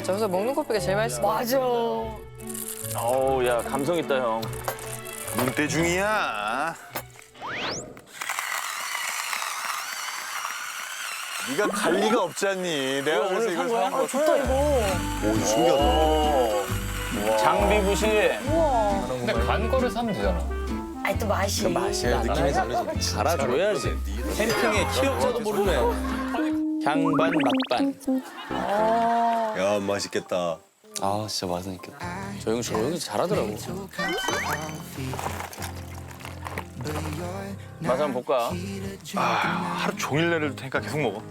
저기서 먹는 커피가 제일 맛있어. 맞아. 어우, 야, 감성 있다, 형. 눈대중이야. 네가 갈 리가 없지 않니? 내가 그래서 이걸 사온 거. 좋다 이거. 오, 이거 신기하다. 장비 부시. 우와. 근데 간 거를 사면 되잖아. 아니 또 맛이. 느낌이 다르지. 갈아줘야지. 캠핑에 키역자도 모르네. 향반, 맛반. 야, 맛있겠다. 아 진짜 맛있겠다. 저 형 조용히 잘하더라고. 맛 한번 볼까? 하루 종일 내릴 테니까 계속 먹어.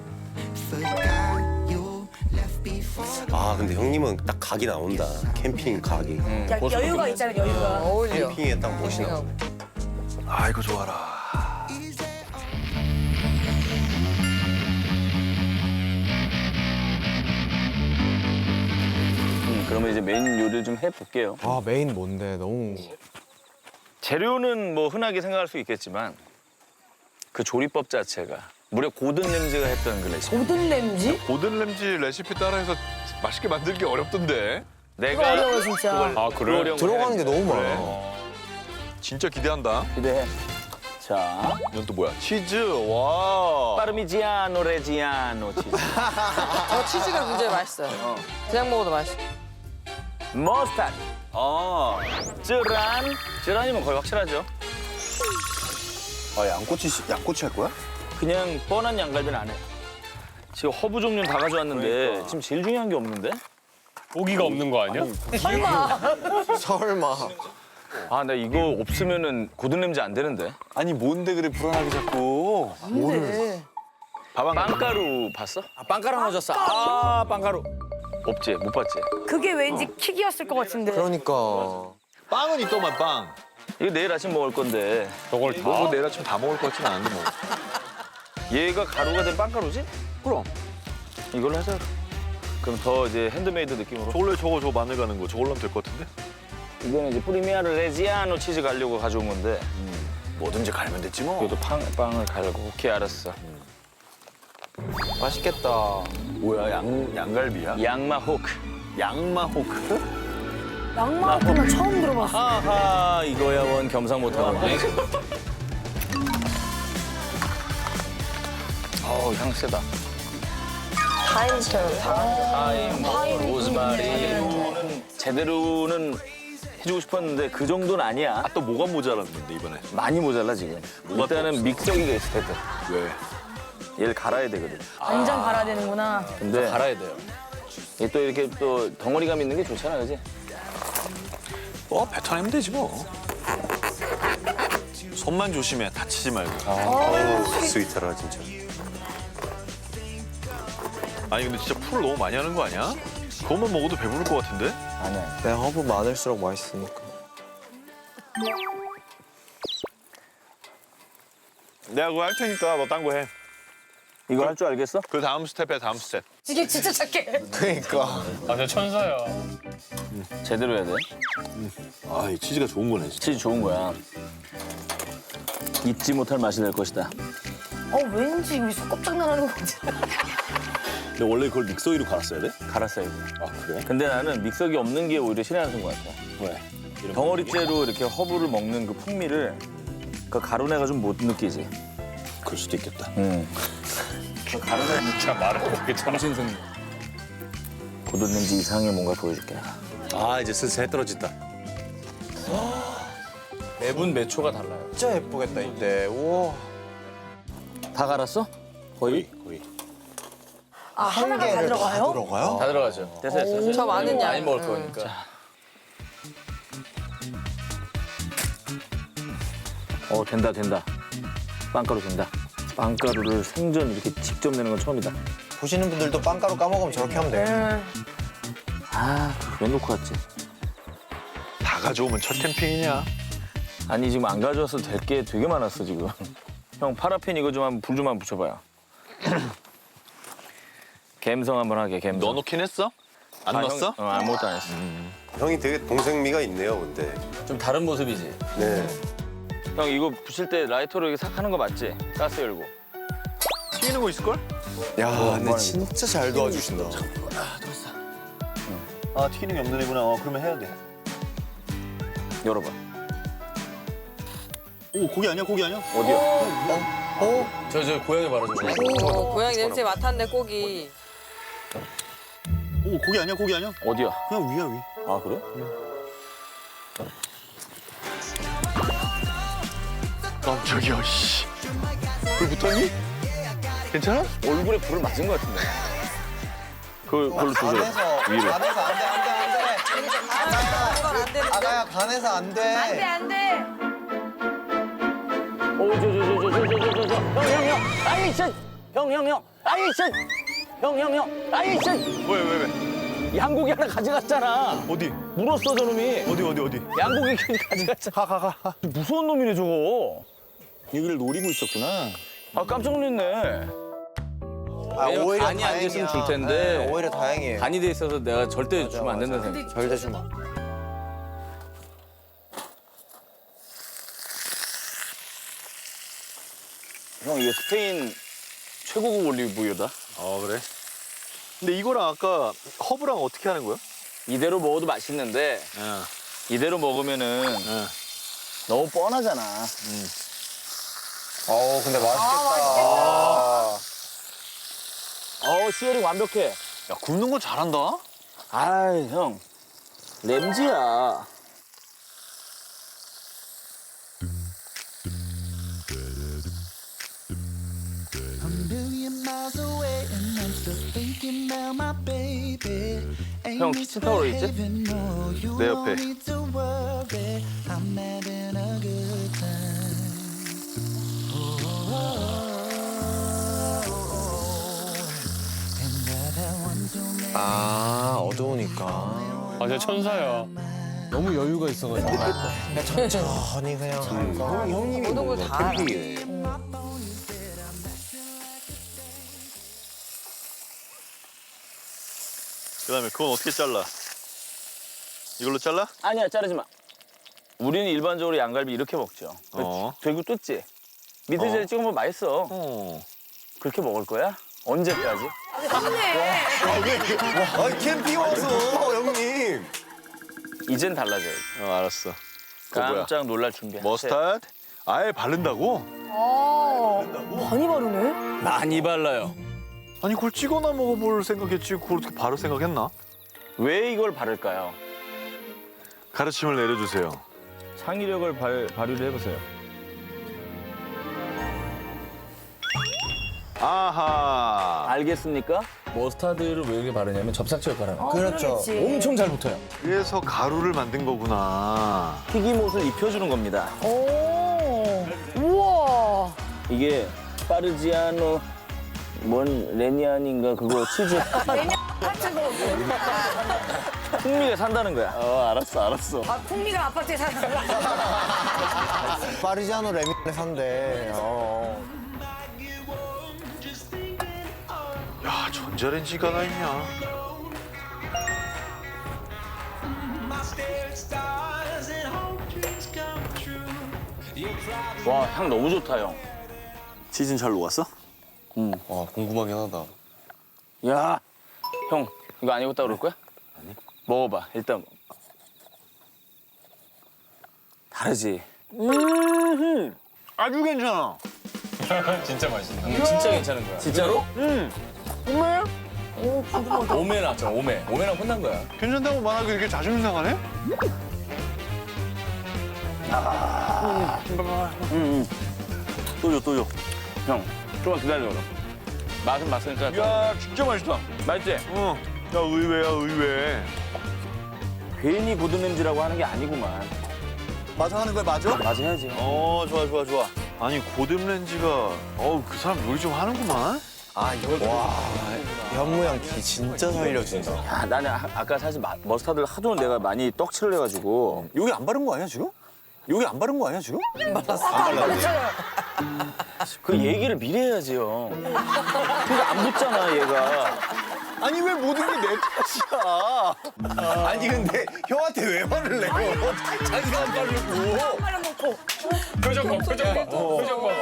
아 근데 형님은 딱 각이 나온다. 캠핑 각이. 야, 여유가 있잖아 여유가. 어울려. 캠핑에 딱 멋이 나. 아, 이거 좋아라. 그러면 이제 메인 요리를 좀 해볼게요. 아 메인 뭔데 너무 재료는 뭐 흔하게 생각할 수 있겠지만 그 조리법 자체가 무려 고든 램지가 했던 그 레시피. 고든 램지? 고든 램지 레시피 따라해서 맛있게 만들기 어렵던데. 이거 어려워 진짜. 아, 그래? 들어가는 게 너무 많아. 진짜 기대한다. 기대해. 자, 이건 또 뭐야? 치즈. 와. 파르미지아노 레지아노 치즈. 치즈가 굉장히 맛있어요. 그냥 먹어도 맛있어. 머스타드. 쯔란. 쯔란이면 거의 확실하죠. 아, 양꼬치 할 거야? 그냥 뻔한 양갈비는 안 해. 지금 허브 종류는 다 가져왔는데 지금 제일 중요한 게 없는데? 고기가 없는 거 아니야? 설마 아, 나 이거 없으면은 고든 램지 안 되는데. 아니, 뭔데 그래 불안하게 자꾸. 뭔데? 빵가루 봤어? 아, 빵가루 넣어줬어. 아 빵가루. 없지, 못 봤지. 그게 왠지 킥이었을 것 같은데. 그러니까 빵은 있더만 빵. 이거 내일 아침 먹을 건데 저걸 다. 뭐 내일 아침 다 먹을 것 같진 않은데 뭐. 얘가 가루가 된 빵가루지? 그럼. 이걸로 하자. 그럼 더 이제 핸드메이드 느낌으로. 저걸로 저거 마늘 가는 거 저걸로 하면 될 것 같은데? 이거는 이제 프리미아르 레지아노 치즈 가려고 가져온 건데 뭐든지 갈면 됐지 뭐. 이것도 빵을 갈고. 오케이, 알았어. 맛있겠다. 뭐야, 양갈비야? 양마 호크. 양마 호크? 양마호크는 처음 들어봤어. 하하, 이거야 원 겸상 못하고. 어우, 향 세다. 타임처럼 타임, 로즈마리. 제대로는 해주고 싶었는데 그 정도는 아니야. 아, 또 뭐가 모자랐는데 이번에? 많이 모자라 지금. 일단은 믹서기가 있을 텐데. 왜? 얘를 갈아야 되거든. 완전 갈아야 되는구나. 근데 갈아야 돼요. 얘 또 이렇게 또 덩어리감 있는 게 좋잖아, 그지? 뱉어내면 되지 뭐. 손만 조심해, 다치지 말고. 스위트라 진짜. 아니 근데 진짜 풀을 너무 많이 하는 거 아니야? 그것만 먹어도 배부를 것 같은데? 아니야. 내 허브 많을수록 맛있으니까. 내가 그거 할 테니까 너 딴 거 해. 이거 할 줄 알겠어? 그 다음 스텝에 다음 스텝. 이게 진짜 착해. 그러니까 아, 저 천사야. 제대로 해야 돼. 아, 이 치즈가 좋은 거네. 진짜. 치즈 좋은 거야. 잊지 못할 맛이 될 것이다. 왠지 우리 속 깜짝 놀라는 거 같아. 근데 원래 그걸 믹서기로 갈았어야 돼? 갈았어야 돼. 아, 그래? 근데 나는 믹서기 없는 게 오히려 신의 것 같아. 왜? 덩어리째로 이렇게 허브를 먹는 그 풍미를 그 가루내가 좀 못 느끼지. 그럴 수도 있겠다. 응. 그 가루내 진짜 말을 그렇게 참. 정신승리. 고든 렌지 이상의 뭔가 보여줄게. 아 이제 슬슬 해 떨어진다. 매분 몇 초가 달라요. 진짜 예쁘겠다 이때. 우와. 다 갈았어? 거의? 아 하나가 다 들어가요? 들어가요? 다 들어가죠. 됐어, 됐어. 저 많은 양. 많이 먹을 거니까. 된다, 된다. 빵가루 된다. 빵가루를 생전 이렇게 직접 내는 건 처음이다. 보시는 분들도 빵가루 까먹으면 저렇게 하면 돼. 아, 왜 놓고 왔지? 다 가져오면 첫 캠핑이냐? 아니, 지금 안 가져왔어도 될 게 되게 많았어, 지금. 형, 파라핀 이거 좀 한번 불 좀 한번 붙여봐요. 갬성 한번 하게, 갬성. 넣어놓긴 했어? 안 넣었어? 아무것도 안 했어. 형이 되게 동생미가 있네요 근데. 좀 다른 모습이지? 네. 형, 이거 부실 때 라이터로 이렇게 싹 하는 거 맞지? 가스 열고. 튀기는 거 있을걸? 야 근데 진짜 잘 도와주신다. 아 튀기는 게 없는 애구나. 그러면 해야 돼. 열어봐. 오 고기 아니야 고기 아니야? 어디야? 저 고양이 말아줘. 고양이 냄새 맡았네, 고기. 오 고기 아니야 고기 아니야? 어디야? 그냥 위야 위. 아 그래? 깜짝이야 씨. 불 붙었니? 괜찮아? 얼굴에 불을 맞은 것 같은데. 그걸로 조절. 간에서 위로. 간에서 안 돼, 안 돼, 안 돼. 그건 안 되는데. 아가야 간에서 안 돼. 안 돼. 이 한고기 하나 가져갔잖아. 어디? 물었어 저놈이. 어디? 양고기 가져갔잖아. 가. 무서운 놈이네 저거. 여기를 노리고 있었구나. 아 깜짝 놀랐네. 아, 오히려 간이 안 됐으면 줄 텐데. 네, 오히려 다행이에요. 간이 돼 있어서 내가 절대 주면 안 된다는 생각. 절대 주마. 형 이게 스페인 최고급 올리브유다. 그래? 근데 이거랑 아까 허브랑 어떻게 하는 거야? 이대로 먹어도 맛있는데 응. 이대로 먹으면은 너무 뻔하잖아. 근데 맛있겠다. 시어링 완벽해. 야 굽는 거 잘한다. 아이 형 램지야. 형 키친타워로 있지? 내 옆에. 아, 어두우니까. 아, 저 천사야. 너무 여유가 있어가지고. 천천히 그냥 하니까. 형님이 모든 걸 다 알아. 캠핑이네. 그다음에 그건 어떻게 잘라? 이걸로 잘라? 아니야 자르지 마. 우리는 일반적으로 양갈비 이렇게 먹죠. 되고 뜯지. 미드젤 찍으면 맛있어. 그렇게 먹을 거야? 언제까지? 아 캠핑 와서 형님. 이젠 달라져요. 알았어. 그거 뭐야? 깜짝 놀랄 준비해. 머스타드? 아예 바른다고? 많이 바르네. 많이 발라요. 아니 그걸 찍어나 먹어볼 생각했지 그걸 어떻게 바로 생각했나? 왜 이걸 바를까요? 가르침을 내려주세요. 창의력을 발휘를 해보세요. 아하. 알겠습니까? 머스타드를 왜 이렇게 바르냐면 접착제 역할을 하는 거예요. 그렇죠. 엄청 잘 붙어요. 그래서 가루를 만든 거구나. 튀김옷을 입혀주는 겁니다. 오. 우와. 이게 파르지아노 레니안인가 그거 치즈 같은 거. 풍미가 산다는 거야. 알았어. 아, 풍미가 아파트에 사는 거. 파리지아노 레미네 산대. 야 전자레인지가 하나 있냐? 와, 향 너무 좋다, 형. 치즈는 잘 녹았어? 와, 궁금하긴 하다. 야, 형, 이거 안 익었다 그럴 거야? 아니. 먹어봐, 일단. 다르지? 아주 괜찮아. 진짜 맛있다. 진짜 괜찮은 거야. 진짜로? 오메 나왔잖아, 오메. 오메랑 혼난 거야. 괜찮다고 말하기 이렇게 자존심 상하네? 또 줘. 형, 좀만 기다려, 그럼. 맛은 맛으니까. 야 진짜 맛있다. 맛있지? 응. 야 의외야 의외. 괜히 고든냄지라고 하는 게 아니구만. 맞아 하는 거야 맞아? 맞아 해야지. 좋아. 아니 고듬렌지가 그 사람 요리 좀 하는구만. 아, 이걸 와, 현무양 기 진짜 살려준다. 야, 나는 아까 사실 머스타드를 하도 내가 많이 떡칠을 해가지고. 여기 안 바른 거 아니야 지금? 여기 안 바른 거 아니야 지금? 그 얘기를 미리 해야지, 형. 그러니까 안 붙잖아, 얘가. 아니 왜 모든 게 내 탓이야? 아니 근데 형한테 왜 화를 내요? 자기가 안 바르고. 표정 봐.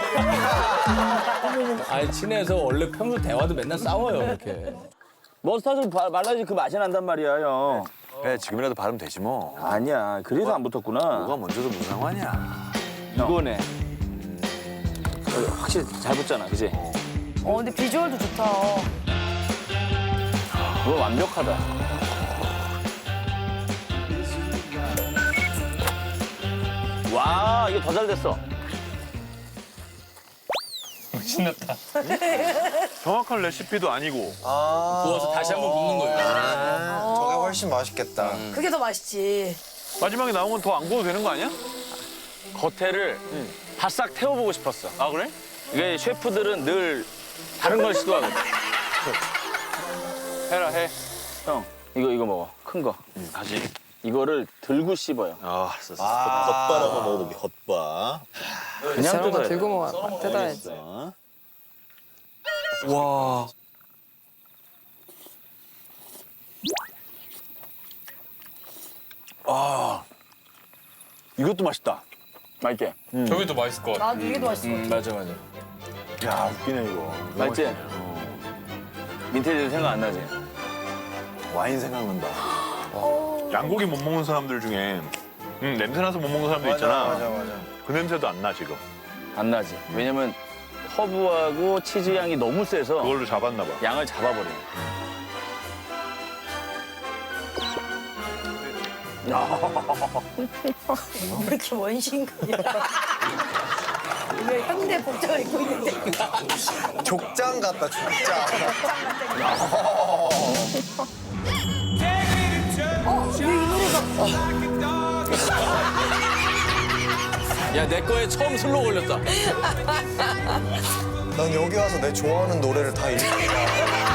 아니 친해서 원래 평소 대화도 맨날 싸워요 이렇게. 머스타드 말라야지 그 맛이 난단 말이야, 형. 그래 지금이라도 바르면 되지 뭐. 아니야. 그래서 안 붙었구나. 뭐가 먼저도 무슨 상관이야. 이거네. 확실히 잘 붙잖아, 그지? 근데 비주얼도 좋다. 그거 완벽하다. 와, 이게 더 잘 됐어. 신났다. 정확한 레시피도 아니고. 부어서 다시 한번 굽는 거예요. 저게 훨씬 맛있겠다. 그게 더 맛있지. 마지막에 나온 건 더 안 구워도 되는 거 아니야? 겉에를 바싹 태워보고 싶었어. 아, 그래? 이게 셰프들은 늘 다른 걸 시도하거든. 해라, 해. 형, 이거 먹어. 큰 거. 다시. 이거를 들고 씹어요. 아, 겉바 한번 먹어볼게, 겉바. 그냥 저런 거 뜯어야 돼. 들고 먹어. 뜯어야지. 와. 이것도 맛있다. 맛있게. 저게 더 맛있을 것 같아. 나도 이게 더 맛있어. 맞아 맞아. 야, 웃기네 이거. 맛있지? 민테지 생각 안 나지? 와인 생각난다. 양고기 못 먹는 사람들 중에 냄새 나서 못 먹는 사람들 있잖아. 맞아. 그 냄새도 안 나 지금. 안 나지. 왜냐면 허브하고 치즈 향이 너무 세서 그걸로 잡았나 봐. 양을 잡아버려. 왜 이렇게 원신이야? 왜 현대 복장을 입고 있는데? 족장 같다, 족장. 왜 이 노래가? 야 내 거에 처음 슬로 걸렸다. 난 여기 와서 내 좋아하는 노래를 다 읽는다.